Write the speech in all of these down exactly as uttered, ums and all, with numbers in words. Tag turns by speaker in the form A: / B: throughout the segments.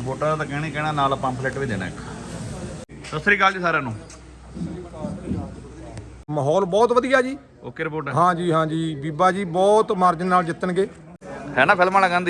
A: ਵੋਟਾਂ ਦਾ ਤਾਂ ਕਹਿਣਾ ਹੀ ਕਹਿਣਾ, ਨਾਲ ਪੰਫਲੇਟ ਵੀ ਦੇਣਾ ਇੱਕ। ਸਤਿ ਸ੍ਰੀ ਅਕਾਲ ਜੀ ਸਾਰਿਆਂ ਨੂੰ।
B: ਮਾਹੌਲ ਬਹੁਤ ਵਧੀਆ ਜੀ।
A: ਓਕੇ ਰਿਪੋਰਟ
B: ਹਾਂ ਜੀ ਹਾਂ ਜੀ, ਬੀਬਾ ਜੀ ਬਹੁਤ ਮਾਰਜਨ ਨਾਲ ਜਿੱਤਣਗੇ,
A: ਹੈ ਨਾ ਫਿਲਮਾਂ ਵਾਲਾ ਗਾਂਧੀ।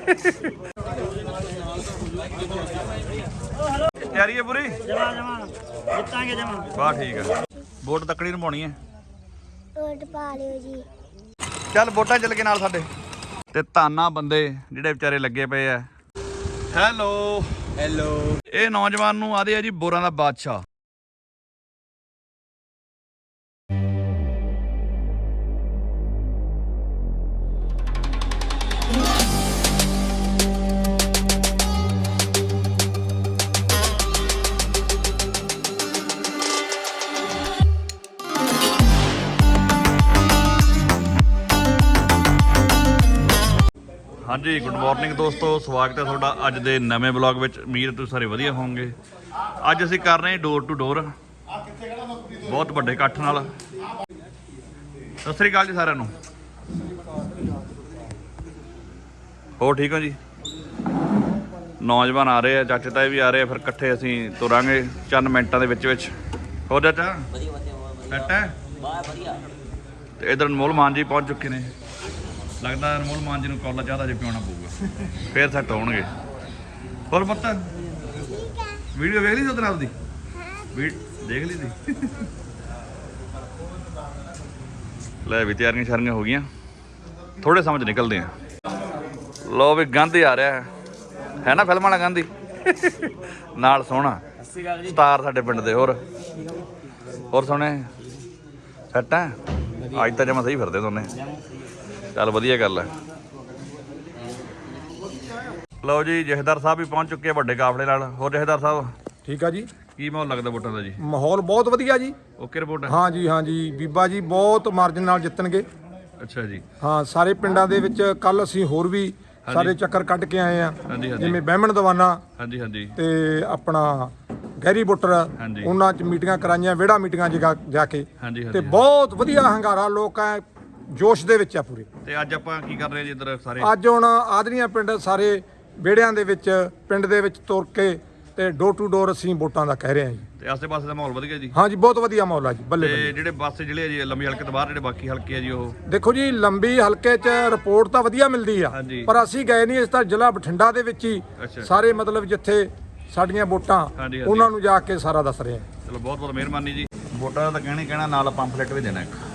A: ਤਿਆਰੀ ਹੈ ਪੂਰੀ?
C: ਜਮਾ ਜਮਾ ਜਿੱਤਾਂਗੇ ਜਮਾ।
A: ਵਾਹ ਠੀਕ ਹੈ। ਵੋਟ ਤੱਕੜੀ ਨੂੰ ਪਾਉਣੀ ਹੈ।
D: ਵੋਟ ਪਾ ਲਿਓ ਜੀ।
A: ਚੱਲ ਵੋਟਾਂ ਚੱਲ ਕੇ ਨਾਲ ਸਾਡੇ। ਤੇ ਤਾਨਾ ਬੰਦੇ ਜਿਹੜੇ ਵਿਚਾਰੇ ਲੱਗੇ ਪਏ ਆ। Hello
B: hello.
A: ਇਹ ਨੌਜਵਾਨ ਨੂੰ ਆਦੇ ਆ ਜੀ ਬੋਰਾਂ ਦਾ ਬਾਦਸ਼ਾਹ। ਹਾਂਜੀ ਗੁੱਡ ਮਾਰਨਿੰਗ ਦੋਸਤੋ, ਸਵਾਗਤ ਹੈ ਤੁਹਾਡਾ ਅੱਜ ਦੇ ਨਵੇਂ ਬਲੌਗ ਵਿੱਚ। ਉਮੀਦ ਤੁਸੀਂ ਸਾਰੇ ਵਧੀਆ ਹੋਵੋਗੇ। ਅੱਜ ਅਸੀਂ ਕਰ ਰਹੇ ਹਾਂ ਡੋਰ ਟੂ ਡੋਰ, ਬਹੁਤ ਵੱਡੇ ਇਕੱਠ ਨਾਲ। ਸਤਿ ਸ੍ਰੀ ਅਕਾਲ ਜੀ ਸਾਰਿਆਂ ਨੂੰ। ਹੋਰ ਠੀਕ ਹੋ ਜੀ? ਨੌਜਵਾਨ ਆ ਰਹੇ ਆ, ਚਾਚੇ ਤਾਏ ਵੀ ਆ ਰਹੇ ਆ, ਫਿਰ ਇਕੱਠੇ ਅਸੀਂ ਤੁਰਾਂਗੇ ਚੰਦ ਮਿੰਟਾਂ ਦੇ ਵਿੱਚ ਵਿੱਚ। ਹੋਰ ਚਾਚਾ ਸੈੱਟ ਹੈ? ਤੇ ਇਧਰ ਅਨਮੋਲ ਮਾਨ ਜੀ ਪਹੁੰਚ ਚੁੱਕੇ ਨੇ। ਲੱਗਦਾ ਅਨਮੋਲ ਮਾਨ ਜੀ ਨੂੰ ਕੌਲਾ ਜ਼ਿਆਦਾ ਜੇ ਪਿਉਣਾ ਪਊਗਾ, ਫੇਰ ਸੈੱਟ ਹੋਣਗੇ। ਹੋਰ ਪੁੱਤ ਵੀਡੀਓ ਵੇਖ ਲਈ ਸੀ ਉਹਦੇ ਨਾਲ ਦੀ? ਵੀ ਦੇਖ ਲਈ ਸੀ। ਲੈ ਵੀ ਤਿਆਰੀਆਂ ਸ਼ਾਰੀਆਂ ਹੋ ਗਈਆਂ, ਥੋੜੇ ਸਮਝ ਨਿਕਲਦੇ ਆ। ਲੋ ਵੀ ਗਾਂਧੀ ਆ ਰਿਹਾ ਹੈ ਨਾ, ਫਿਲਮਾਂ ਵਾਲਾ ਗਾਂਧੀ। ਨਾਲ ਸੋਹਣਾ ਸਟਾਰ ਸਾਡੇ ਪਿੰਡ ਦੇ। ਹੋਰ ਹੋਰ ਸੋਹਣੇ ਸੈੱਟ ਹੈ? ਅੱਜ ਤਾਂ ਜਮਾ ਸਹੀ ਫਿਰਦੇ ਦੋਨੇ। ਚੱਲ ਵਧੀਆ ਗੱਲ ਹੈ। ਲਓ ਜੀ ਜਥੇਦਾਰ ਸਾਹਿਬ ਵੀ ਪਹੁੰਚ ਚੁੱਕੇ ਆ ਵੱਡੇ ਕਾਫਲੇ ਨਾਲ। ਹੋਰ ਜਥੇਦਾਰ ਸਾਹਿਬ
B: ਠੀਕ ਆ ਜੀ।
A: ਕੀ ਮਾਹੌਲ ਲੱਗਦਾ ਵੋਟਾਂ ਦਾ ਜੀ?
B: ਮਾਹੌਲ ਬਹੁਤ ਵਧੀਆ ਜੀ।
A: Okay report?
B: ਹਾਂ ਜੀ ਹਾਂ ਜੀ, ਬੀਬਾ ਜੀ ਬਹੁਤ ਮਾਰਜਨ ਨਾਲ ਜਿੱਤਣਗੇ।
A: ਅੱਛਾ ਜੀ।
B: ਹਾਂ, ਸਾਰੇ ਪਿੰਡਾਂ ਦੇ ਵਿੱਚ ਕੱਲ ਅਸੀਂ ਹੋਰ ਵੀ ਸਾਰੇ ਚੱਕਰ ਕੱਢ ਕੇ ਆਏ ਆ,
A: ਹਾਂਜੀ ਹਾਂਜੀ
B: ਜਿਵੇਂ ਬਹਿਮਣ ਦਵਾਨਾ
A: ਹਾਂਜੀ ਹਾਂਜੀ
B: ਤੇ ਆਪਣਾ ਗਹਿਰੀ ਬੁੱਟਰ,
A: ਹਾਂਜੀ।
B: ਉਹਨਾਂ 'ਚ ਮੀਟਿੰਗਾਂ ਕਰਾਈਆਂ, ਵਿਹੜਾ ਮੀਟਿੰਗਾਂ ਜਗਾ ਜਾ ਕੇ,
A: ਹਾਂਜੀ
B: ਤੇ
A: ਹਾਂਜੀ।
B: ਬਹੁਤ ਵਧੀਆ ਹੰਗਾਰਾ, ਲੋਕ ਐ ਜੋਸ਼ ਦੇ ਵਿੱਚ ਆ ਪੂਰੇ।
A: ਤੇ ਅੱਜ ਆਪਾਂ ਕੀ ਕਰ ਰਹੇ ਜੀ ਇੱਧਰ ਸਾਰੇ?
B: ਅੱਜ ਹੁਣ ਆਦਰੀਆਂ ਪਿੰਡ ਸਾਰੇ ਵਿਹੜਿਆਂ ਦੇ ਵਿੱਚ, ਪਿੰਡ ਦੇ ਵਿੱਚ ਤੁਰ ਕੇ ਤੇ ਡੋਰ ਟੂ ਡੋਰ ਅਸੀਂ ਵੋਟਾਂ ਦਾ ਕਹਿ ਰਹੇ ਹਾਂ ਜੀ।
A: ਤੇ ਆਸੇ ਪਾਸੇ ਦਾ ਮਾਹੌਲ ਵਧੀਆ ਜੀ?
B: ਹਾਂ ਜੀ, ਬਹੁਤ ਵਧੀਆ ਮਾਹੌਲ ਆ ਜੀ। ਬੱਲੇ
A: ਤੇ
B: ਬੱਲੇ।
A: ਜਿਹੜੇ ਪਾਸੇ ਜਿਹੜੇ ਆ ਜੀ ਲੰਬੀ ਹਲਕੇ ਤੋਂ ਬਾਹਰ ਜਿਹੜੇ ਬਾਕੀ ਹਲਕੇ ਆ ਜੀ, ਉਹ
B: ਦੇਖੋ ਜੀ, ਲੰਬੀ ਹਲਕੇ 'ਚ ਰਿਪੋਰਟ ਤਾਂ ਵਧੀਆ ਮਿਲਦੀ ਆ,
A: ਹਾਂਜੀ।
B: ਪਰ ਅਸੀਂ ਗਏ ਨਹੀਂ। ਇਸ ਤਾਂ ਜ਼ਿਲ੍ਹਾ ਬਠਿੰਡਾ ਦੇ ਵਿੱਚ ਹੀ
A: ਅੱਛਾ।
B: ਸਾਰੇ ਮਤਲਬ ਜਿੱਥੇ ਸਾਡੀਆਂ ਵੋਟਾਂ,
A: ਹਾਂਜੀ, ਹਾਂਜੀ।
B: ਉਹਨਾਂ ਨੂੰ ਜਾ ਕੇ ਸਾਰਾ ਦੱਸ ਰਹੇ ਹਾਂ।
A: ਚਲੋ ਬਹੁਤ ਬਹੁਤ ਮਿਹਰਬਾਨੀ ਜੀ। ਵੋਟਾਂ ਦਾ ਤਾਂ ਕਹਿਣਾ ਹੀ ਕਹਿਣਾ, ਨਾਲ ਪੰਫਲੇਟ ਵੀ ਦੇਣਾ ਇੱਕ।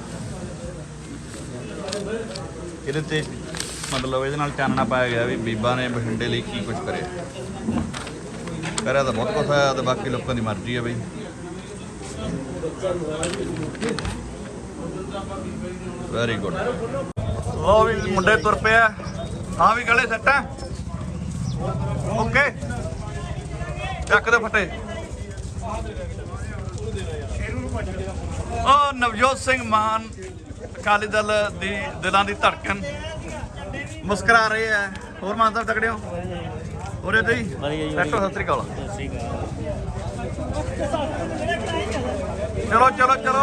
A: ਇਹਦੇ ਤੇ ਮਤਲਬ ਇਹਦੇ ਨਾਲ ਚਾਨਣਾ ਪਾਇਆ ਗਿਆ ਵੀ ਬੀਬਾ ਨੇ ਬਠਿੰਡੇ ਲਈ ਕੀ ਕੁਝ ਕਰਿਆ। ਕਰਿਆ ਤਾਂ ਬਹੁਤ ਕੁਛ ਹੋਇਆ, ਤੇ ਬਾਕੀ ਲੋਕਾਂ ਦੀ ਮਰਜ਼ੀ ਹੈ ਬਈ। Very good. ਲੋ ਵੀ ਮੁੰਡੇ ਤੁਰ ਪਿਆ। ਹਾਂ ਵੀ ਗਲੇ ਸੈੱਟ ਹੈ? ਓਕੇ ਚੱਕ ਦੇ ਫਟੇ। ਉਹ ਨਵਜੋਤ ਸਿੰਘ ਮਾਨ ਅਕਾਲੀ ਦਲ ਦੀ ਦਿਲਾਂ ਦੀ ਧੜਕਣ ਮੁਸਕਰਾ ਰਹੇ ਆ। ਹੋਰ ਮਾਨ ਸਾਹਿਬ ਤਕੜੇ ਹੋ? ਹੋਰੇ ਤੇ ਹੀ ਸੈੱਟ ਹੋ? ਸਤਿ ਸ੍ਰੀ ਅਕਾਲ। ਚਲੋ ਚਲੋ ਚਲੋ।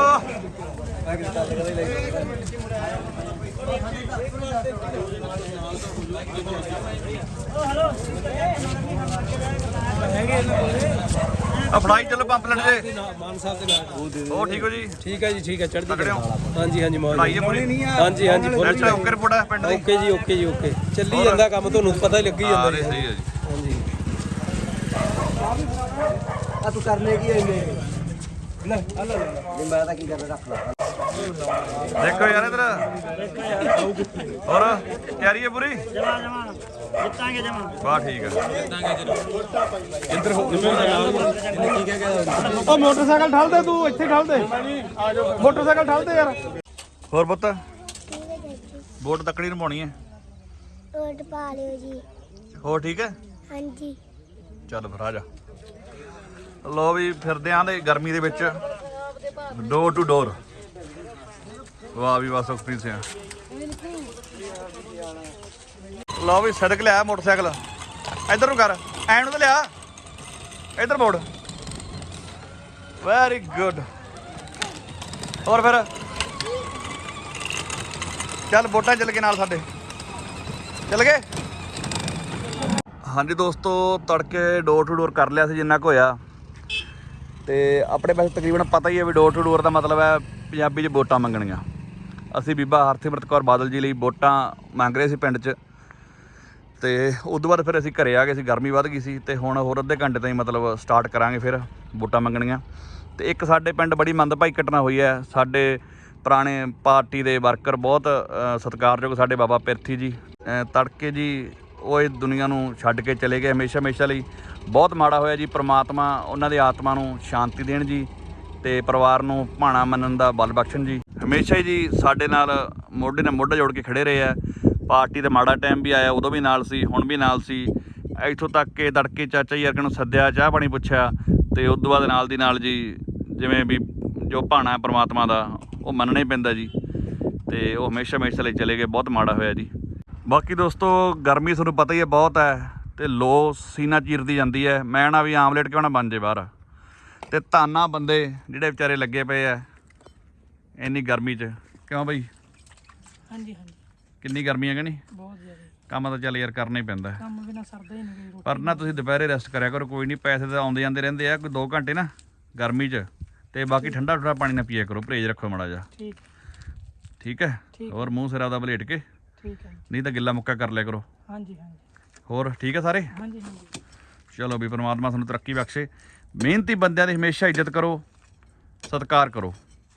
A: ਆ ਫੜਾਈ ਚਲੋ ਪੰਪਲੇਟ ਦੇ।
E: ਮਾਨ ਸਾਹਿਬ ਦੇ ਨਾਲ
A: ਉਹ ਠੀਕ ਹੋ ਜੀ?
E: ਠੀਕ ਹੈ ਜੀ, ਠੀਕ ਹੈ। ਚੜ੍ਹਦੀ
A: ਤਕੜੇ
E: ਕਲਾ।
A: ਹੋ?
E: ਹਾਂਜੀ ਹਾਂਜੀ ਮੌਜ।
A: ਫੜਾਈ ਹੈ ਪੂਰੀ?
E: ਹਾਂਜੀ ਹਾਂਜੀ ਫੁੱਲ
A: ਅੱਛਾ ਓਕੇ ਰਿਪੋਰਟ ਹੈ ਪਿੰਡ ਦੀ?
E: ਓਕੇ ਜੀ, ਓਕੇ ਜੀ, ਓਕੇ। ਚੱਲੀ ਜਾਂਦਾ ਕੰਮ, ਤੁਹਾਨੂੰ ਪਤਾ ਹੀ ਲੱਗੀ ਜਾਂਦਾ
A: ਹਾਂ
E: ਜੀ।
A: ਸਹੀ ਹੈ ਜੀ।
E: ਹਾਂਜੀ।
F: ਆ ਤੂੰ ਕਰਨੇ ਕੀ ਐਨੇ ਲੈ ਆ ਲੈ ਨਹੀਂ ਮੈਂ ਤਾਂ ਕੀ ਕਰਨਾ, ਰੱਖ ਲਾ।
A: ਦੇਖੋ ਯਾਰ ਇਧਰ। ਹੋਰ ਤਿਆਰੀ ਹੈ ਪੂਰੀ?
C: ਜਮਾ ਜਮਾ ਜਿੱਤਾਂਗੇ ਜਮਾ।
A: ਵਾਹ ਠੀਕ ਹੈ।
E: ਇੱਧਰ ਹੋ ਇਹਨੇ ਕੀ ਕਹਿ ਗਿਆ?
B: ਉਹ ਮੋਟਰਸਾਈਕਲ ਠਾਲ ਦੇ, ਤੂੰ ਇੱਥੇ ਠਾਲ ਦੇ, ਮੋਟਰਸਾਈਕਲ ਠਾਲ ਦੇ ਯਾਰ।
A: ਹੋਰ ਪੁੱਤ ਵੋਟ ਤੱਕੜੀ ਨੂੰ ਪਾਉਣੀ ਹੈ?
D: ਵੋਟ ਪਾ ਲਿਓ ਜੀ।
A: ਹੋਰ ਠੀਕ ਹੈ?
D: ਹਾਂਜੀ।
A: ਚੱਲ ਫਿਰ ਆ ਜਾ। ਲੋ ਵੀ ਫਿਰਦੇ ਆਂ ਦੇ ਗਰਮੀ ਦੇ ਵਿੱਚ ਡੋਰ ਟੂ ਡੋਰ। ਵਾਹ ਵੀ ਵਾਹ ਸੁਖਪ੍ਰੀਤ ਸਿੰਘ। ਲਓ ਵੀ ਸੜਕ ਲਿਆ ਮੋਟਰਸਾਈਕਲ। ਇੱਧਰ ਨੂੰ ਕਰ, ਐਂ ਨੂੰ ਤਾਂ ਲਿਆ, ਇੱਧਰ ਮੋੜ। Very good. ਹੋਰ ਫਿਰ ਚੱਲ ਵੋਟਾਂ ਚੱਲ ਕੇ ਨਾਲ ਸਾਡੇ ਚੱਲ ਗਏ। ਹਾਂਜੀ ਦੋਸਤੋ, ਤੜਕੇ ਡੋਰ ਟੂ ਡੋਰ ਕਰ ਲਿਆ ਸੀ ਜਿੰਨਾ ਕੁ ਹੋਇਆ। ਤੇ ਆਪਣੇ ਪਾਸੇ ਤਕਰੀਬਨ ਪਤਾ ਹੀ ਹੈ ਵੀ ਡੋਰ ਟੂ ਡੋਰ ਦਾ ਮਤਲਬ ਹੈ ਪੰਜਾਬੀ 'ਚ ਵੋਟਾਂ ਮੰਗਣੀਆਂ। ਅਸੀਂ ਬੀਬਾ ਹਰਸਿਮਰਤ ਕੌਰ ਬਾਦਲ ਜੀ ਲਈ ਵੋਟਾਂ ਮੰਗ ਰਹੇ ਸੀ ਪਿੰਡ 'ਚ। ਤੇ ਉਸ ਤੋਂ ਬਾਅਦ ਫਿਰ ਅਸੀਂ ਘਰੇ ਆ ਗਏ ਸੀ, ਗਰਮੀ ਵੱਧ ਗਈ ਸੀ। ਤੇ ਹੁਣ ਹੋਰ ਅੱਧੇ ਘੰਟੇ ਤਾਈਂ ਮਤਲਬ ਸਟਾਰਟ ਕਰਾਂਗੇ ਫਿਰ ਵੋਟਾਂ ਮੰਗਣੀਆਂ। ਤੇ ਇੱਕ ਸਾਡੇ ਪਿੰਡ ਬੜੀ ਮੰਦਭਾਈ ਘਟਨਾ ਹੋਈ ਹੈ। ਸਾਡੇ ਪੁਰਾਣੇ ਪਾਰਟੀ ਦੇ ਵਰਕਰ, ਬਹੁਤ ਸਤਿਕਾਰਯੋਗ ਸਾਡੇ ਬਾਬਾ ਪਿਰਥੀ ਜੀ, ਤੜਕੇ ਜੀ ਉਹ ਇਹ ਦੁਨੀਆ ਨੂੰ ਛੱਡ ਕੇ ਚਲੇ ਗਏ ਹਮੇਸ਼ਾ ਹਮੇਸ਼ਾ ਲਈ। ਬਹੁਤ ਮਾੜਾ ਹੋਇਆ ਜੀ। ਪ੍ਰਮਾਤਮਾ ਉਹਨਾਂ ਦੀ ਆਤਮਾ ਨੂੰ ਸ਼ਾਂਤੀ ਦੇਣ ਜੀ, ਤੇ ਪਰਿਵਾਰ ਨੂੰ ਭਾਣਾ ਮੰਨਣ ਦਾ ਬਲ ਬਖਸ਼ਣ ਜੀ। ਹਮੇਸ਼ਾ ਹੀ ਜੀ ਸਾਡੇ ਨਾਲ ਮੋਢੇ ਨਾਲ ਮੋਢਾ ਜੋੜ ਕੇ ਖੜੇ ਰਹੇ ਆ। ਪਾਰਟੀ ਦਾ ਮਾੜਾ ਟਾਈਮ ਵੀ ਆਇਆ, ਉਦੋਂ ਵੀ ਨਾਲ ਸੀ, ਹੁਣ ਵੀ ਨਾਲ ਸੀ। ਇੱਥੋਂ ਤੱਕ ਕਿ ਤੜਕੇ ਚਾਚਾ ਜੀ ਵਰਗੇ ਨੂੰ ਸੱਦਿਆ, ਚਾਹ ਪਾਣੀ ਪੁੱਛਿਆ। ਤੇ ਉਸ ਤੋਂ ਬਾਅਦ ਨਾਲ ਦੀ ਨਾਲ ਜੀ ਜਿਵੇਂ ਵੀ ਜੋ ਭਾਣਾ ਹੈ ਪਰਮਾਤਮਾ ਦਾ, ਉਹ ਮੰਨਣਾ ਹੀ ਪੈਂਦਾ ਜੀ। ਤੇ ਉਹ ਹਮੇਸ਼ਾ ਹਮੇਸ਼ਾ ਲਈ ਚਲੇ ਗਏ। ਬਹੁਤ ਮਾੜਾ ਹੋਇਆ ਜੀ। ਬਾਕੀ ਦੋਸਤੋ, ਗਰਮੀ ਤੁਹਾਨੂੰ ਪਤਾ ਹੀ ਹੈ ਬਹੁਤ ਹੈ, ਤੇ ਲੋ ਸੀਨਾ ਚੀਰਦੀ ਜਾਂਦੀ ਹੈ। ਮੈਂ ਨਾ ਵੀ ਆਮਲੇਟ ਕਿਉਂ ਨਾ ਬਣ ਜੇ ਬਾਹਰ। ਤੇ ਧੰਨਾ ਬੰਦੇ ਜਿਹੜੇ ਵਿਚਾਰੇ ਲੱਗੇ ਪਏ ਆ ਇੰਨੀ ਗਰਮੀ 'ਚ। ਕਿਉਂ ਬਈ?
C: ਹਾਂਜੀ ਹਾਂਜੀ,
A: ਕਿੰਨੀ ਗਰਮੀ ਹੈ ਕਿ ਨਹੀਂ?
C: ਬਹੁਤ ਜ਼ਿਆਦਾ
A: ਕੰਮ ਤਾਂ ਚੱਲ ਯਾਰ ਕਰਨਾ ਹੀ ਪੈਂਦਾ।
C: ਕੰਮ ਬਿਨਾ ਸਰਦਾ ਹੀ ਨਹੀਂ।
A: ਪਰ ਨਾ ਤੁਸੀਂ ਦੁਪਹਿਰੇ ਰੈਸਟ ਕਰਿਆ ਕਰੋ, ਕੋਈ ਨਹੀਂ, ਪੈਸੇ ਤਾਂ ਆਉਂਦੇ ਜਾਂਦੇ ਰਹਿੰਦੇ ਆ। ਕੋਈ ਦੋ ਘੰਟੇ ਨਾ ਗਰਮੀ 'ਚ। ਤੇ ਬਾਕੀ ਠੰਡਾ ਠੰਡਾ ਪਾਣੀ ਨਾ ਪੀਆ ਕਰੋ, ਪਰਹੇਜ਼ ਰੱਖੋ ਮਾੜਾ ਜਿਹਾ।
C: ਠੀਕ
A: ਠੀਕ ਹੈ। ਹੋਰ ਮੂੰਹ ਸਿਰ ਆਪਦਾ ਵਲੇਟ ਕੇ,
C: ਠੀਕ ਹੈ।
A: ਨਹੀਂ ਤਾਂ ਗਿੱਲਾ ਮੁੱਕਾ ਕਰ ਲਿਆ ਕਰੋ।
C: ਹਾਂਜੀ ਹਾਂਜੀ,
A: ਹੋਰ ਠੀਕ ਹੈ ਸਾਰੇ?
C: ਹਾਂਜੀ ਹਾਂਜੀ।
A: ਚਲੋ ਵੀ ਪਰਮਾਤਮਾ ਤੁਹਾਨੂੰ ਤਰੱਕੀ ਬਖਸ਼ੇ। ਮਿਹਨਤੀ ਬੰਦਿਆਂ ਦੀ ਹਮੇਸ਼ਾ ਇੱਜ਼ਤ ਕਰੋ, ਸਤਿਕਾਰ ਕਰੋ।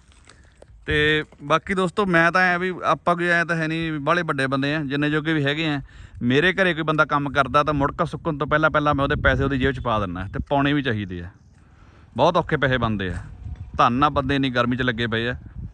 A: ਤੇ ਬਾਕੀ ਦੋਸਤੋ, ਮੈਂ ਤਾਂ ਐ ਵੀ ਆਪਾਂ ਕੋਈ ਐ ਤਾਂ ਹੈ ਨਹੀਂ ਬਾਹਲੇ ਵੱਡੇ ਬੰਦੇ ਆ, ਜਿੰਨੇ ਜੋਗੇ ਵੀ ਹੈਗੇ ਆ। ਮੇਰੇ ਘਰੇ ਕੋਈ ਬੰਦਾ ਕੰਮ ਕਰਦਾ ਤਾਂ ਮੁੜਕਾ ਸੁੱਕਣ ਤੋਂ ਪਹਿਲਾਂ ਪਹਿਲਾਂ ਮੈਂ ਉਹਦੇ ਪੈਸੇ ਉਹਦੀ ਜੇਬ 'ਚ ਪਾ ਦਿੰਦਾ। ਤੇ ਪਾਉਣੇ ਵੀ ਚਾਹੀਦੇ ਆ, ਬਹੁਤ ਔਖੇ ਪੈਸੇ ਬਣਦੇ ਆ। ਧੰਨ ਆ ਬੰਦੇ ਇੰਨੀ ਗਰਮੀ 'ਚ ਲੱਗੇ ਪਏ ਆ।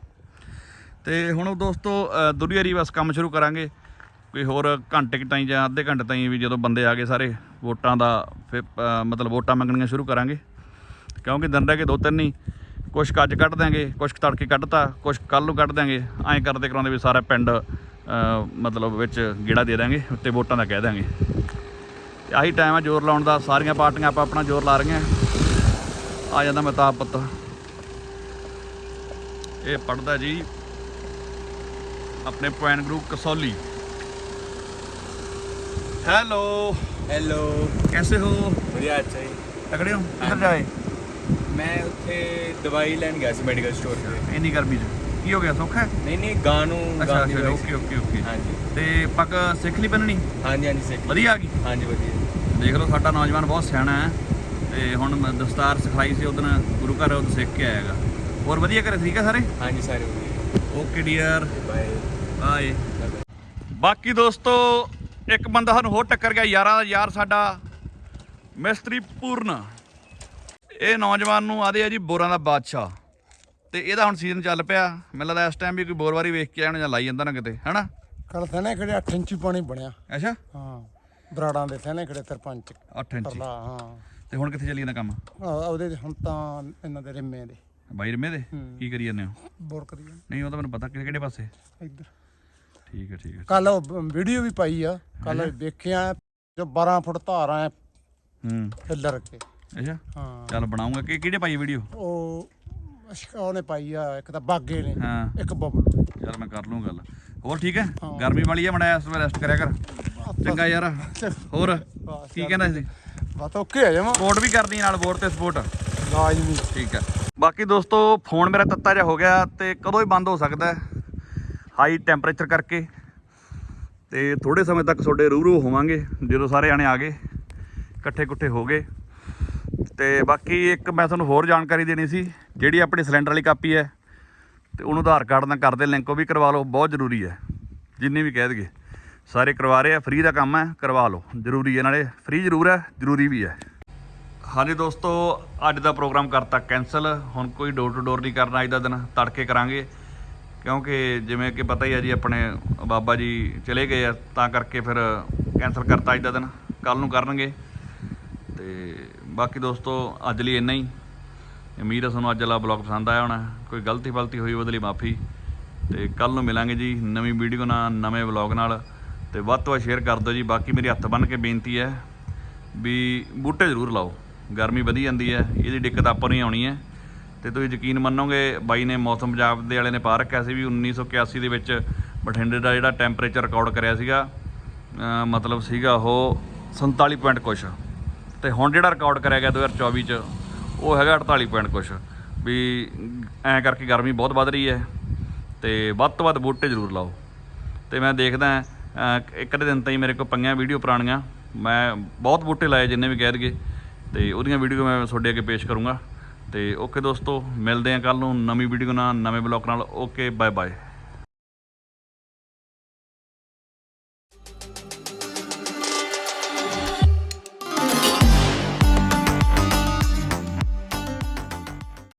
A: ਤੇ ਹੁਣ ਦੋਸਤੋ ਦੁਨੀਆ ਰੀ ਬਸ ਕੰਮ ਸ਼ੁਰੂ ਕਰਾਂਗੇ ਕੋਈ ਹੋਰ ਘੰਟੇ ਕੁ ਤਾਈਂ ਜਾਂ ਅੱਧੇ ਘੰਟੇ ਤਾਈਂ ਵੀ। ਜਦੋਂ ਬੰਦੇ ਆ ਗਏ ਸਾਰੇ ਵੋਟਾਂ ਦਾ, ਫਿਰ ਮਤਲਬ ਵੋਟਾਂ ਮੰਗਣੀਆਂ ਸ਼ੁਰੂ ਕਰਾਂਗੇ। ਕਿਉਂਕਿ ਦਿਨ ਰਹਿ ਕੇ ਦੋ ਤਿੰਨ ਹੀ, ਕੁਛ ਅੱਜ ਕੱਢ ਦਿਆਂਗੇ, ਕੁਛ ਤੜਕੇ ਕੱਢਤਾ, ਕੁਛ ਕੱਲ੍ਹ ਨੂੰ ਕੱਢ ਦਿਆਂਗੇ। ਐਂ ਕਰਦੇ ਕਰਾਉਂਦੇ ਵੀ ਸਾਰਾ ਪਿੰਡ ਮਤਲਬ ਵਿੱਚ ਗੇੜਾ ਦੇ ਦਾਂਗੇ, ਉੱਤੇ ਵੋਟਾਂ ਦਾ ਕਹਿ ਦਿਆਂਗੇ। ਤੇ ਆਹੀ ਟਾਈਮ ਆ ਜ਼ੋਰ ਲਾਉਣ ਦਾ। ਸਾਰੀਆਂ ਪਾਰਟੀਆਂ ਆਪਾਂ ਆਪਣਾ ਜ਼ੋਰ ਲਾ ਰਹੀਆਂ। ਆ ਜਾਂਦਾ ਮਹਿਤਾਬ ਪੁੱਤ, ਇਹ ਪੜ੍ਹਦਾ ਜੀ ਆਪਣੇ point group Kasauli. Hello
E: hello,
A: कैसे हो?
E: बढ़िया। अच्छा जी,
A: तगड़े हो? किधर जाए?
E: मैं उत्थे दवाई लैन गया सी मेडिकल स्टोर से।
A: ਇੰਨੀ ਗਰਮੀ 'ਚ ਕੀ ਹੋ ਗਿਆ? ਸੌਖਾ ਹੈ?
E: नहीं नहीं, गानू
A: ਅੱਛਾ ਅੱਛਾ, ਓਕੇ ਓਕੇ ਓਕੇ।
E: हाँ जी
A: ਤੇ ਪੱਗ ਸਿੱਖ ਲਈ ਬੰਨਣੀ?
E: हाँ जी हाँ जी, सिख
A: ਵਧੀਆ ਆ ਗਈ।
E: हाँ जी बढ़िया।
A: ਦੇਖ ਲਓ ਸਾਡਾ ਨੌਜਵਾਨ ਬਹੁਤ ਸਿਆਣਾ ਹੈ। ਤੇ ਹੁਣ ਮੈਂ ਦਸਤਾਰ ਸਿਖਾਈ ਸੀ ਉਦੋਂ ਗੁਰੂ ਘਰ, ਉਹ ਸਿੱਖ ਕੇ ਆਏਗਾ। ਹੋਰ ਵਧੀਆ ਘਰੇ ਠੀਕ ਹੈ ਸਾਰੇ?
E: हाँ जी सारे बढ़िया।
A: Okay dear,
E: bye
A: bye. ਬਾਕੀ ਦੋਸਤੋ, ਇੱਕ ਬੰਦਾ ਸਾਨੂੰ ਹੋਰ ਟੱਕਰ ਗਿਆ, ਯਾਰਾਂ ਦਾ ਯਾਰ ਸਾਡਾ ਮਿਸਤਰੀ ਪੂਰਨ। ਇਹ ਨੌਜਵਾਨ ਨੂੰ ਆਦੇ ਆ ਜੀ ਬੋਰਾਂ ਦਾ ਬਾਦਸ਼ਾਹ। ਤੇ ਇਹਦਾ ਹੁਣ ਸੀਜ਼ਨ ਚੱਲ ਪਿਆ। ਮੈਨੂੰ ਲੱਗਦਾ ਇਸ ਟਾਈਮ ਵੀ ਕੋਈ ਬੋਰਵਾਰੀ ਵੇਖ ਕੇ ਆਉਣਾ ਜਾਂ ਲਾਈ ਜਾਂਦਾ ਨਾ ਕਿਤੇ, ਹੈਨਾ?
B: ਕੱਲ ਥਣੇ ਖੜੇ ਅੱਠ ਇੰਚੀ ਪਾਣੀ ਬਣਿਆ।
A: ਅੱਛਾ,
B: ਹਾਂ, ਬਰਾੜਾਂ ਦੇ ਥਣੇ ਖੜੇ ਸਰਪੰਚ
A: ਅੱਠ ਇੰਚੀ।
B: ਪਰਲਾ। ਹਾਂ,
A: ਤੇ ਹੁਣ ਕਿੱਥੇ ਚੱਲੀ ਜਾਂਦਾ ਕੰਮ?
B: ਆਹ ਉਹਦੇ ਹੁਣ ਤਾਂ ਇਹਨਾਂ ਦੇ ਰਿੰਮੇ ਦੇ
A: ਬਾਈ ਰਮੇ ਦੇ ਕੀ ਕਰੀ ਜਾਂਦੇ ਹੋ?
B: ਬੋਰ ਕਰੀ ਜਾਂਦੇ
A: ਨਹੀਂ, ਉਹ ਤਾਂ ਮੈਨੂੰ ਪਤਾ ਕਿਹੜੇ ਕਿਹੜੇ ਪਾਸੇ।
B: ਇੱਧਰ।
A: ਠੀਕ ਹੈ ਠੀਕ ਹੈ।
B: ਕੱਲ ਵੀਡੀਓ ਵੀ ਪਾਈ ਆ, ਕੱਲ ਵੇਖਿਆ ਜੋ ਬਾਰਾਂ ਫੁੱਟ ਧਾਰ ਆ
A: ਹੂੰ,
B: ਫਿੱਲਰ ਕੇ।
A: ਅੱਛਾ,
B: ਹਾਂ,
A: ਚੱਲ ਬਣਾਉਂਗਾ। ਕਿ ਕਿਹੜੇ ਪਾਈ ਵੀਡੀਓ?
B: ਉਹ ਅਸ਼ਕ- ਉਹਨੇ ਪਾਈ ਆ, ਇੱਕ ਤਾਂ ਬਾਗੇ ਨੇ,
A: ਹਾਂ,
B: ਇੱਕ ਬਬਲੂ।
A: ਚੱਲ ਮੈਂ ਕਰ ਲੂੰ ਗੱਲ। ਹੋਰ ਠੀਕ ਹੈ?
B: ਹਾਂ।
A: ਗਰਮੀ ਵਾਲੀ ਹੈ, ਮੜਾ ਇਸ ਵੇਲੇ ਰੈਸਟ ਕਰਿਆ ਕਰ। ਚੰਗਾ ਯਾਰ। ਹੋਰ ਕੀ ਕਹਿੰਦਾ ਸੀ?
B: ਬਸ ਓਕੇ ਆ ਜਾਵਾਂ।
A: ਸਪੋਰਟ ਵੀ ਕਰਦੀ ਨਾਲ, ਵੋਟ ਤੇ ਸਪੋਰਟ।
B: ਲਾਜ਼ਮੀ।
A: ਠੀਕ ਹੈ। ਬਾਕੀ ਦੋਸਤੋ, ਫੋਨ ਮੇਰਾ ਤੱਤਾ ਜਿਹਾ ਹੋ ਗਿਆ ਤੇ ਕਦੋਂ ਹੀ ਬੰਦ ਹੋ ਸਕਦਾ ਹੈ ਹਾਈ ਟੈਂਪਰੇਚਰ ਕਰਕੇ। ਤੇ ਥੋੜੇ ਸਮੇਂ ਤੱਕ ਤੁਹਾਡੇ ਰੂਬਰੂ ਹੋਵਾਂਗੇ ਜਦੋਂ ਸਾਰੇ ਜਾਣੇ ਆ ਗਏ, ਇਕੱਠੇ ਇਕੱਠੇ ਹੋ ਗਏ। ਤੇ ਬਾਕੀ ਇੱਕ ਮੈਂ ਤੁਹਾਨੂੰ ਹੋਰ ਜਾਣਕਾਰੀ ਦੇਣੀ ਸੀ। ਜਿਹੜੀ ਆਪਣੀ ਸਿਲੰਡਰ ਵਾਲੀ ਕਾਪੀ ਹੈ ਤੇ ਉਹਨੂੰ ਆਧਾਰ ਕਾਰਡ ਨਾਲ ਕਰਦੇ ਲਿੰਕ, ਉਹ ਵੀ ਕਰਵਾ ਲਓ, ਬਹੁਤ ਜ਼ਰੂਰੀ ਹੈ। ਜਿੰਨੀ ਵੀ ਕਹਿ ਦਈਏ ਸਾਰੇ ਕਰਵਾ ਰਹੇ ਆ, ਫ੍ਰੀ ਦਾ ਕੰਮ ਹੈ, ਕਰਵਾ ਲਓ, ਜ਼ਰੂਰੀ ਹੈ। ਨਾਲੇ ਫ੍ਰੀ ਜ਼ਰੂਰ ਹੈ, ਜ਼ਰੂਰੀ ਵੀ ਹੈ। ਹਾਂਜੀ ਦੋਸਤੋ, ਅੱਜ ਦਾ ਪ੍ਰੋਗਰਾਮ ਕਰਤਾ ਕੈਂਸਲ। ਹੁਣ ਕੋਈ ਡੋਰ ਟੂ ਡੋਰ ਨਹੀਂ ਕਰਨਾ ਅੱਜ ਦਾ ਦਿਨ, ਤੜਕੇ ਕਰਾਂਗੇ। ਕਿਉਂਕਿ ਜਿਵੇਂ ਕਿ ਪਤਾ ਹੀ ਹੈ ਜੀ, ਆਪਣੇ ਬਾਬਾ ਜੀ ਚਲੇ ਗਏ ਆ, ਤਾਂ ਕਰਕੇ ਫਿਰ ਕੈਂਸਲ ਕਰਤਾ ਅੱਜ ਦਾ ਦਿਨ। ਕੱਲ੍ਹ ਨੂੰ ਕਰਨਗੇ। ਤੇ ਬਾਕੀ ਦੋਸਤੋ, ਅੱਜ ਲਈ ਇੰਨਾ ਹੀ। ਉਮੀਦ ਹੈ ਤੁਹਾਨੂੰ ਅੱਜ ਵਾਲਾ ਬਲੌਗ ਪਸੰਦ ਆਇਆ ਹੋਣਾ। ਕੋਈ ਗਲਤੀ ਫਲਤੀ ਹੋਈ ਉਹਦੇ ਲਈ ਮਾਫੀ। ਤੇ ਕੱਲ੍ਹ ਨੂੰ ਮਿਲਾਂਗੇ ਜੀ ਨਵੀਂ ਵੀਡੀਓ ਨਾਲ, ਨਵੇਂ ਬਲੌਗ ਨਾਲ। ਤੇ ਵੱਧ ਤੋਂ ਵੱਧ ਸ਼ੇਅਰ ਕਰ ਦਿਓ ਜੀ। ਬਾਕੀ ਮੇਰੀ ਹੱਥ ਬੰਨ੍ਹ ਕੇ ਬੇਨਤੀ ਹੈ ਵੀ ਬੂਟੇ ਜ਼ਰੂਰ ਲਾਓ। ਗਰਮੀ ਵਧੀ ਜਾਂਦੀ ਹੈ, ਇਹਦੀ ਦਿੱਕਤ ਆਪਾਂ ਨੂੰ ਹੀ ਆਉਣੀ ਹੈ। ਤੇ ਤੁਸੀਂ ਯਕੀਨ ਮੰਨੋਗੇ, ਬਾਈ ਨੇ ਮੌਸਮ ਪੰਜਾਬ ਦੇ ਵਾਲੇ ਨੇ ਪਾ ਰੱਖਿਆ ਸੀ ਵੀ ਉੱਨੀ ਸੌ ਇਕਿਆਸੀ ਦੇ ਵਿੱਚ ਬਠਿੰਡੇ ਦਾ ਜਿਹੜਾ ਟੈਂਪਰੇਚਰ ਰਿਕਾਰਡ ਕਰਿਆ ਸੀਗਾ, ਮਤਲਬ ਸੀਗਾ ਉਹ ਸੰਤਾਲੀ ਪੁਆਇੰਟ ਕੁਛ, ਤੇ ਹੁਣ ਜਿਹੜਾ ਰਿਕਾਰਡ ਕਰਿਆ ਗਿਆ ਦੋ ਹਜ਼ਾਰ ਚੌਵੀ 'ਚ ਉਹ ਹੈਗਾ ਅੜਤਾਲੀ ਪੁਆਇੰਟ ਕੁਛ। ਵੀ ਐਂ ਕਰਕੇ ਗਰਮੀ ਬਹੁਤ ਵੱਧ ਰਹੀ ਹੈ, ਤੇ ਵੱਧ ਤੋਂ ਵੱਧ ਬੂਟੇ ਜ਼ਰੂਰ ਲਾਓ। ਤੇ ਮੈਂ ਦੇਖਦਾ ਇੱਕ ਅੱਧੇ ਦਿਨ ਤਾਈਂ ਮੇਰੇ ਕੋਲ ਪਈਆਂ ਵੀਡੀਓ ਪੁਰਾਣੀਆਂ, ਮੈਂ ਬਹੁਤ ਬੂਟੇ ਲਾਏ ਜਿੰਨੇ ਵੀ ਕਹਿ ਦਈਏ, ਤੇ ਉਹਦੀਆਂ ਵੀਡੀਓ ਮੈਂ ਤੁਹਾਡੇ ਅੱਗੇ ਪੇਸ਼ ਕਰੂੰਗਾ। ਤੇ ਓਕੇ ਦੋਸਤੋ, ਮਿਲਦੇ ਹਾਂ ਕੱਲ੍ਹ ਨੂੰ ਨਵੀਂ ਵੀਡੀਓ ਨਾਲ, ਨਵੇਂ ਬਲੌਗ ਨਾਲ। Okay, bye bye.